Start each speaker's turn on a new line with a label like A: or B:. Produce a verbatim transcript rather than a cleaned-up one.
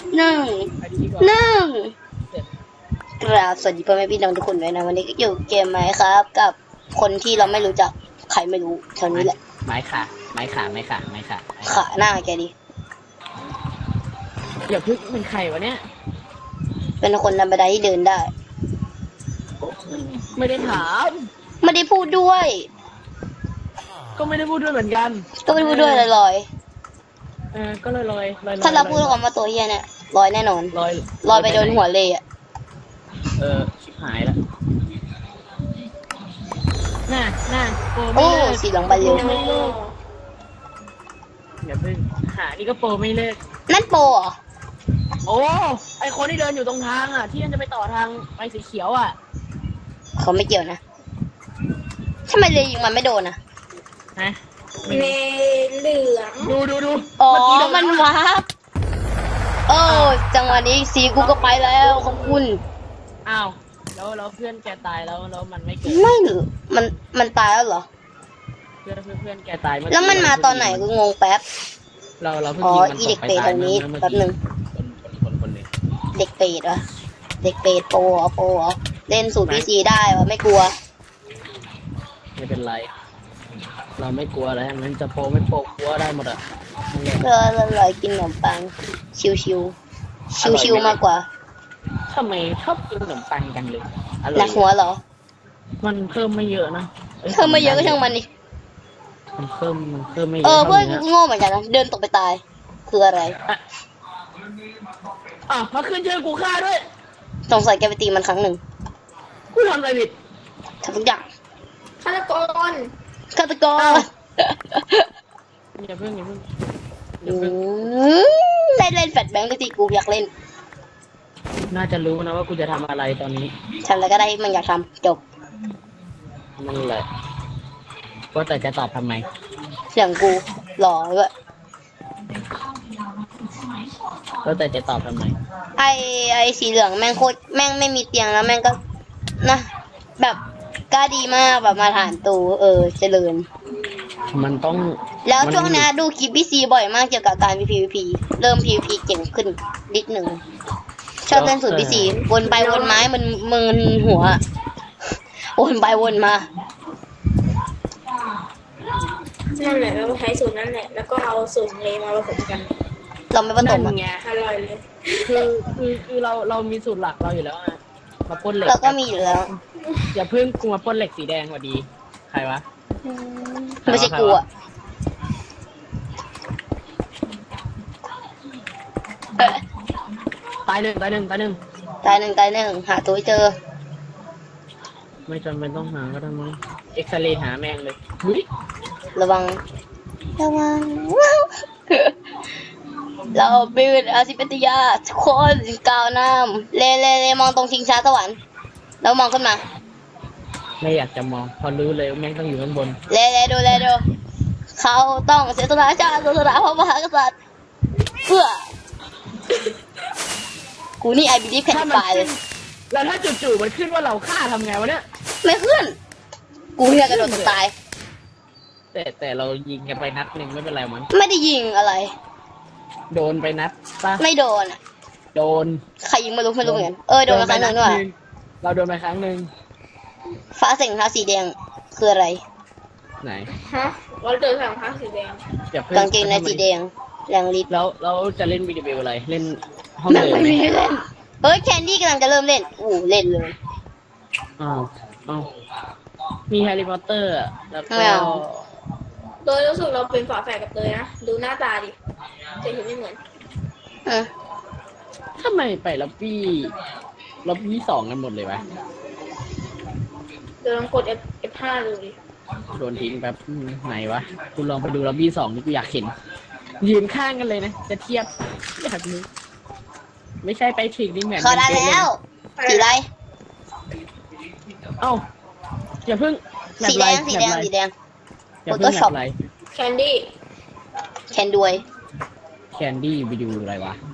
A: หนึ่ง
B: ไปดีกว่า
A: หนึ่ง
B: เสร็จ
A: กราบสวัสดีพ่อแม่พี่น้องทุกคนด้วยนะวันนี้ก็อยู่เกมไหมครับกับคนที่เราไม่รู้จักใครไม่รู้เท่านี้แหละ
B: ไม้ขาไม้ขาไม้ขาไม้ขาไม้ขา
A: ขาหน้าแกดิ
B: อย่าพึ่งเป็นใครวะเนี่ย
A: เป็นคนธรรมดาที่เดินได้
B: ไม่ได้ถาม
A: ไม่ได้พูดด้วย
B: ก็ไม่ได้พูดด้วยเหมือนกัน
A: ก็ไม่ได้พูดด้วยลอย
B: เออก็ลอยลอยลอย
A: ๆถ้าเราพูดออกมาตัวเฮียเนี่ยลอยแน่นอน
B: ลอย
A: ลอยไปโดนหัวเลยอ่ะ
B: เออชิบหายแล้วน่าน่าโปรไม่
A: โอ้
B: เลิก
A: สีเหลืองบานเร็ว
B: ไม่เลิกอย่าพึ่งหานี่ก็โปรไม่เลิก
A: นั่นโปรเหรอ
B: โอ้ไอคนที่เดินอยู่ตรงทางอ่ะที่มันจะไปต่อทางไปสีเขียวอ่ะ
A: เขาไม่เกี่ยวนะทำไมเลยยิงมันไม่โดนอ่ะ
B: ฮะ
C: ในเหลือง
B: ดูดูดู
A: อ๋อ
B: เกี้โด
A: มันวาร์ปโอ้จังหวะนี้สีกูก็ไปแล้วขอบคุณ
B: อ้าวแล้วแล้วเพื่อนแกตายแล้วแล้วมันไม่เกิด
A: ไม่หรือมันมันตายแล้วเหรอ
B: เพื่อนเพื่อนเพื่อนแกตายเมื่อ
A: แล้วมันมาตอนไหนกูงงแป๊บ
B: เราเราเพิ่ง
A: อ๋อ
B: ยิงมัน
A: อี
B: ต
A: เด็
B: ก
A: ก
B: ไป
A: เปรต
B: ตาย
A: ตรงนี้
B: เมื่อ
A: แป๊บหนึ่ง
B: คนคนคนคนหนึ่ง
A: เด็กเปรตวะเด็กเปรตโปรเหรอโปรเหรอเล่นสูตรพีซีได้วะไม่กลัว
B: ไม่เป็นไร เราไม่กลัวอะไรมันจะโปรไม่โปรกลัวได้หมดอ่ะนั่นแหละ
A: เอออร่อยกินขนมปัง ชิวชิวชิวชิวๆมากกว่า
B: ทำไมชอบกินขนมปังกันเลยอร่
A: หนั
B: อย
A: กหัวเหรอ
B: มันเพิ่มไม่เยอะนะย
A: เธอมาเยอะก็ช่างมันดิ
B: มันเพิ่มมันเพิ่มไม่เย
A: เอ
B: อะ
A: อเพื่อน
B: ท่า
A: กูโง่เหมือนกันนะเดินตกไปตาย คืออะไร
B: อ่ะอ่ะมาขึ้นชื่อกูฆ่าด้วย
A: สงสัยแกไปตีมันครั้งหนึ่ง
B: กูทำอะไรผิด
A: ทำทุกอย่าง
C: ฆาตกร
A: ฆาตกร
B: อ้าว อย่าเพิ่งอย่าเพิ่งอย่า
A: อื
B: เพิ่ง
A: มเล่นเล่นแฟลชแบงค์ด้วยที่กูอยากเล่น
B: น่าจะรู้นะว่ากูจะทำอะไรตอนนี้
A: ทำอะไรก็ได้ที่มันอยากทำจบ
B: นั่นแหละว่าแต่จะตอบทำไม
A: เสียงกูหล่อด้วย
B: ว่าแต่จะตอบทำไม
A: ไอไอสีเหลืองแม่งโคตรแม่งไม่มีเตียงแล้วแม่งก็นะแบบกล้าดีมากแบบมาฐานตูเออเจริญ
B: มันต้อง
A: แล้ว
B: มัน
A: ช่วงนี้ดูคลิปพี่ซีบ่อยมากเกี่ยวกับการ พี วี พี เริ่ม พี วี พี เก่งขึ้นนิดหนึ่งชอบเล่นสูตรพี่ซีวนไปวนไม้มันมึนหัววนไปวนมา
C: นั่นแหละเราใช้สูตรนั่นแหละ แล้วก็เอาสูตรเลมาผสมกัน
A: เราไม่ผส
B: นั่
A: ม
B: น
A: อะ
B: ไง
C: อร่อยเลย
B: คือคือคือเราเรามีสูตรหลักเราอยู่แล้วไงมาปล้นเหล็ก
A: เราก็มีอยู่แล้ว
B: อย่าเพิ่งกูมาปล้นเหล็กสีแดงกว่าดี ใครวะ
A: ไม่ใช่กูอะเออ
B: ตายหนึ่งตายหนึ่งตายหนึ่ง
A: ตายหนึ่งตายหนึ่งหาตัวให้เจอ
B: ไม่จำเป็นต้องหาก็ได้มั้งเอ็กซเรย์หาแม่งเลยหุ้ย
A: ระวัง ระวัง เราเป็นอาซิเปติยาทุกคนกล่าวน้ำเลเลเลมองตรงชิงช้าสวรรค์แล้วมองขึ้นมา
B: ไม่อยากจะมองเพอรู้เลยว่าแม่งต้องอยู่ข้างบน
A: เลเลดูเลดูเขาต้องเสียสละชาติเสียสละพระมหากษัตริย์เพื่อ กูนี่ไอบีดีแผ่น
B: ถ้า
A: ไฟ
B: มัน
A: เล
B: ขึ้
A: ย
B: นแล้วถ้าจู่ๆมันขึ้นว่าเราฆ่าทำไงวะเนี่ย
A: ไม่ขึ้น กูเนี่ยกระโดดตกตาย
B: แต่แต่เรายิงกันไปนัดหนึ่งไม่เป็นไรมั้ง
A: ไม่ได้ยิงอะไร
B: โดนไปนัดปะ
A: ไม่โดนอะ
B: โดน
A: ใครยิงไม่รู้ไม่รู้เหมือนกันเออโดนมาครั้งหนึ่งด้วย
B: เราโดนไปครั้งหนึ่ง
A: ฟ้าเสียงเท้าสีแดงคืออะไร
B: ไหน
C: ฮะเราเจอสองผ้าสีแดง
B: อย่าเพิ่ง
A: กางเกงในสีแดงแรงฤทธิ์
B: แล้วเราจะเล่นวิดีโออะไรเล่นห้อง
A: แม่ง
B: เดิม
A: ไม่
B: ไหม
A: มีให้เล่นเฮ้ยแคนดี้กำลังจะเริ่มเล่นอู้เล่นเลย
B: อ้าวอ้าวมีแฮร์รี่พอตเตอร์อะแล้วก็
A: ไม่เอา
C: โดยรู้สึกเราเป็นฝาแฝดกับเตยนะ ดูหน้าตาดิจะเห็นไม่เหมือน
A: อ่ะ
B: ทำไมไปล็อบบี้ล็อบบี้สองกันหมดเลยวะ
C: เดี๋ยวลองกด F F5 ดูดิ
B: โดนทิ้งแบบอืมไหนวะคุณลองไปดูล็อบบี้สองนี่กูอยากเห็น ยืนข้างกันเลยนะ จะเทียบอยากดูไม่ใช่ไปถึงนี่เหมือน
A: เขาได้
B: เป็น
A: แล้ว สีอะไร
B: เอ้าอย่าเพิ่ง
A: สีแดงสีแดงสีแดง
B: อย่าเพิ่ง
A: Photoshop
B: แบบไร
C: แคนดี้
A: แคนด้วย
B: แคนดี้ไปดูอะไรวะ